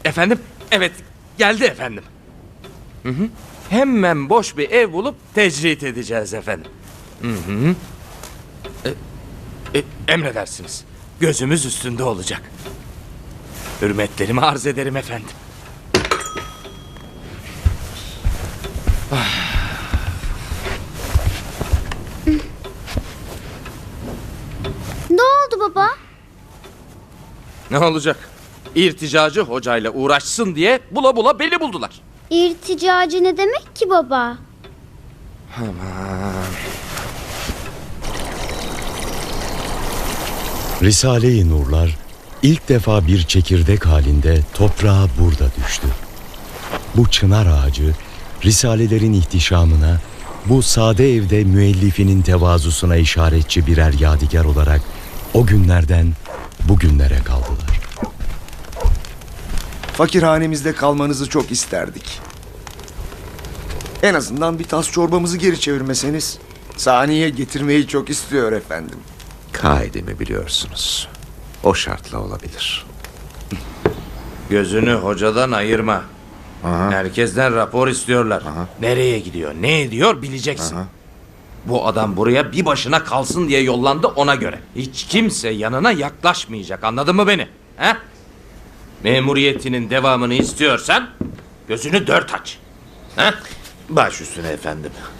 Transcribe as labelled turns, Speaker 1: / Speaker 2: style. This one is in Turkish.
Speaker 1: Efendim? Evet, geldi efendim. Hı hı. Hemen boş bir ev bulup tecrit edeceğiz efendim. Hı hı. Emredersiniz. Gözümüz üstünde olacak. Hürmetlerimi arz ederim efendim.
Speaker 2: Ne oldu baba?
Speaker 1: Ne olacak? İrticacı hocayla uğraşsın diye bula bula beni buldular.
Speaker 2: İrticacı ne demek ki baba?
Speaker 3: Risale-i Nurlar ilk defa bir çekirdek halinde toprağa burada düştü. Bu çınar ağacı risalelerin ihtişamına, bu sade evde müellifinin tevazusuna işaretçi birer yadigar olarak o günlerden bugünlere kaldılar.
Speaker 4: Fakirhanemizde kalmanızı çok isterdik. En azından bir tas çorbamızı geri çevirmeseniz. Saniye getirmeyi çok istiyor efendim.
Speaker 5: Kaidemi biliyorsunuz. O şartla olabilir.
Speaker 1: Gözünü hocadan ayırma.
Speaker 5: Aha.
Speaker 1: Herkesten rapor istiyorlar.
Speaker 5: Aha.
Speaker 1: Nereye gidiyor, ne ediyor bileceksin.
Speaker 5: Aha.
Speaker 1: Bu adam buraya bir başına kalsın diye yollandı, ona göre. Hiç kimse yanına yaklaşmayacak, anladın mı beni? He? Memuriyetinin devamını istiyorsan gözünü dört aç. He?
Speaker 5: Baş üstüne efendim.